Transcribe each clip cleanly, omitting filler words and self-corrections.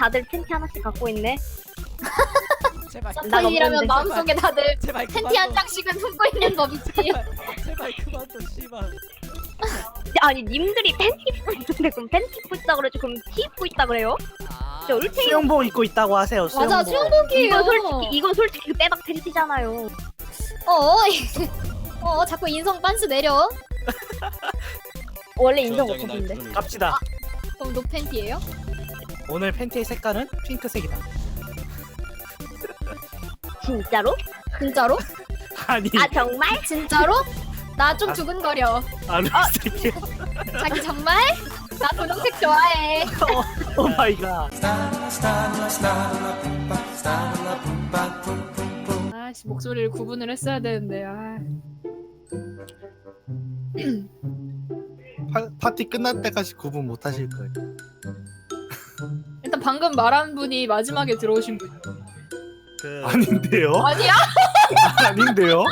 다들 팬티 하나씩 갖고 있네. 제발 서포인이라면 마음속에 다들 제발 팬티 한 장씩은 품고 있는 법이지. 제발 그만 둬 씨발. 아니 님들이 팬티 입고 있는데 그럼 팬티 입고 있다 그러지 그럼 티 입고 있다 그래요? 진짜 얼탱이. 수영복 입고 있다고 하세요. 맞아, 수영복이에요. 이건 솔직히 그 빼박 팬티잖아요. 자꾸 인성 빤스 내려. 원래 인정 못했는데. 갑시다. 그럼 노 팬티예요? 오늘 팬티의 색깔은 핑크색이다. 진짜로? 진짜로? 아니. 아 정말? 진짜로? 나 좀 두근거려. 아르색이야. 자기 정말? 나 분홍색 좋아해. 오 마이 갓. 아씨 목소리를 구분을 했어야 되는데 파티 끝날 때까지 구분 못 하실 거예요. 일단 방금 말한 분이 마지막에 들어오신 분 아닌데요? 아니야? 아닌데요?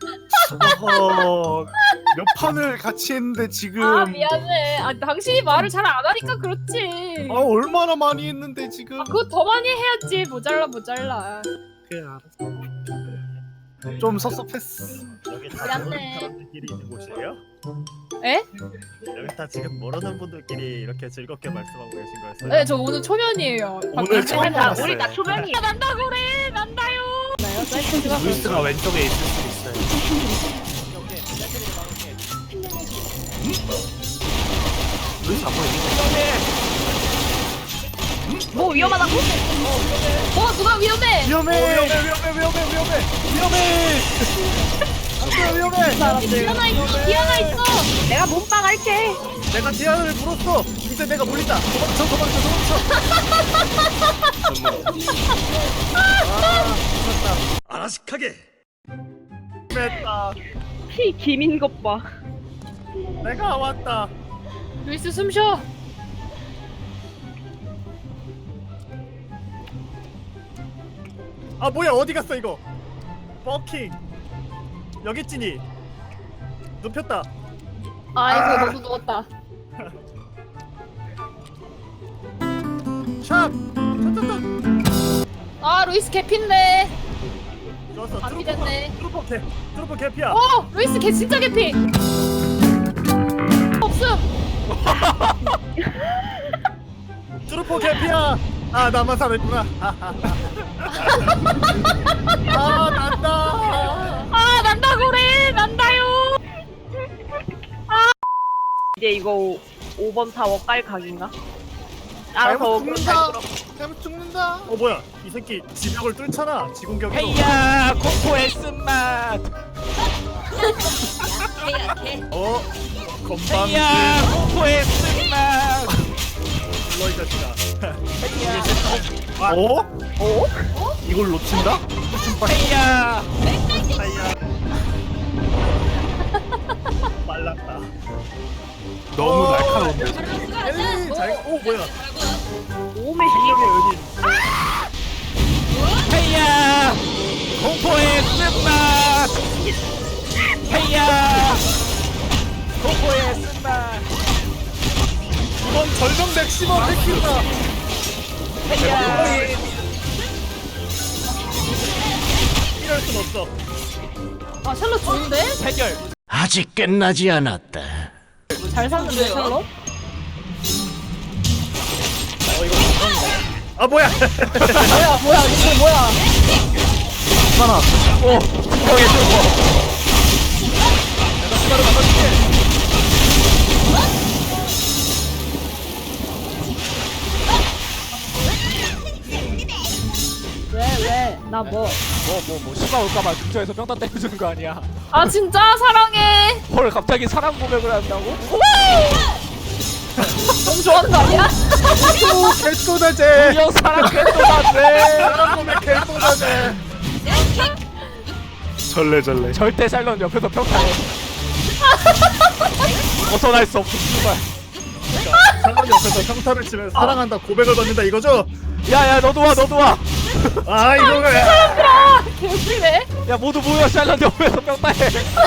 몇 판을 같이 했는데 지금 미안해. 당신이 말을 잘 안 하니까 그렇지. 얼마나 많이 했는데 지금 그거 더 많이 해야지. 모자라. 그래 알았어. 좀 섭섭했어. 여기 다 미안해. 모르는 사람들끼리 있는 곳이에요? 에? 여기 다 지금 모르는 분들끼리 이렇게 즐겁게 말씀하고 계신 거였어요? 네, 저 오늘 초면이에요. 오늘 처음 알았어요. 우리 다 초면이. 난다고 그래. 난다요. 루이스가 왼쪽에 있을 수도 있어요. 루이스 안 보이니? 뭐 위험하다고? 누가 위험해? 위험해. 위험해. 디아나 있어. 디아나 있어. 내가 몸빵 할게. 내가 디아를 물었어. 이제 내가 물린다. 도망쳐. 아라식하게! 됐다. 피 김인 것 봐. 내가 왔다. 루이스 숨 쉬어. 뭐야 어디 갔어 이거? 버킹. 여기 있지니. 눕혔다. 아이고 너도 누웠다. 샷. 루이스 개피인데. 좋았어. 안 피됐네. 트루퍼 개피야. 루이스 개 진짜 개피. 없음. 트루퍼 개피야. 나만 살았구나. 난다. 난다고 그래. 난다요. 이제 이거 5번 타워 깔 각인가? 알아서 잘못 죽는다. 뭐야? 이 새끼 지벽을 뚫잖아. 지공격으로. 헤이야 코코의 쓴맛. 건방. 헤이야 코코의 쓴맛. 불러 이 자식아. 헤이야. 이걸 놓친다? 헤이야. 사이야. 말랐다. 너무 날카로운데. 엘리 잘. 뭐야? 오메 실력의 은인. 헤이야 코코의 쓴맛. 헤이야 코코의 쓴맛. 이번 절정 맥시멈 뺏긴다. 헤이야. 이럴 순 없어. 샬롯 좋은데? 해결. 아직 끝나지 않았다. 잘 샀는데 샬롯? 뭐야? 뭐야 이게 뭐야? 형의 슈퍼. 왜? 나 뭐? 시가 올까봐 근처에서 평타 때려주는 거 아니야? 진짜 사랑해. 헐 갑자기 사랑 고백을 한다고? 너무 좋아하는 거 아니야? 개쏘다제. 형 사랑 꿰또다네. 사람 보면 개쏘다제. 절레. 절대 샬롯 옆에서 평타해. 벗어날 수 없어 씨발. 사람 옆에서 평타를 치면 사랑한다 고백을 받는다 이거죠? 야야 너도 와. 이거가. 개웃기네. 야 모두 모여 샬롯 옆에서 평타해.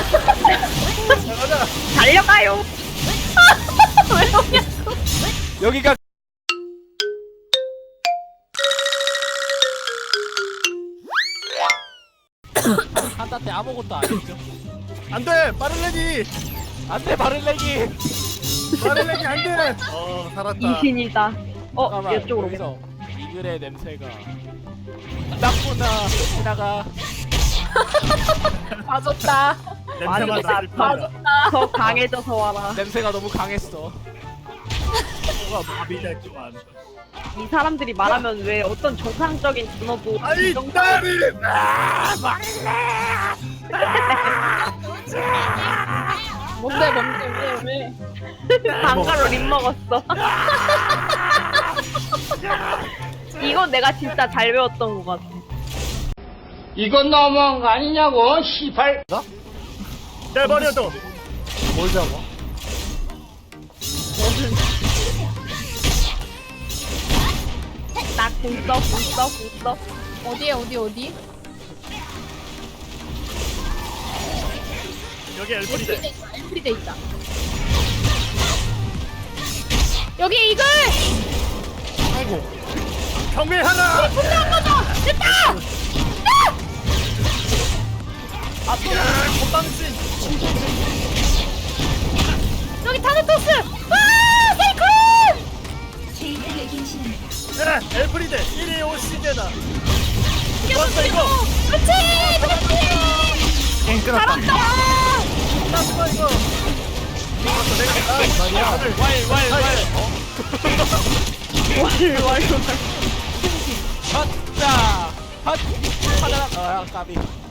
달려가요. 왜 오냐? 여기가 한타 때 아무것도 안 했죠. 안돼 빠를레기 안돼 바를레기. 빠를레기 안돼. 살았다. 이신이다. 잠깐만, 이쪽으로. 여기서 이글의 냄새가 났구나. 지나가. 빠졌다. 냄새만 아니, 났을 나 뿐이야. 더 강해져서 와라. 냄새가 너무 강했어. 뭐가 마비됐구만. 이 사람들이 말하면 왜 어떤 정상적인 단어도 아니 정상 나를 뭔데 왜? 방가로 립 먹었어. 이건 내가 진짜 잘 배웠던 것 같아. 이건 너무한 거 아니냐고, 시발. 내버려둬. 뭘 잡아? 나궁 써. 어디에 어디? 여기 엘프리데. 엘프리데 있다. 여기 이글! 경매하라. 건방진. 여기 타르토스! 와! 세이클! 야 엘프리데 1위 5시대다. 좋았어 이거. 그렇지! 게임 끊었다. 끝났어 이거. 왈. 헛다. 헛. 하나. 까비.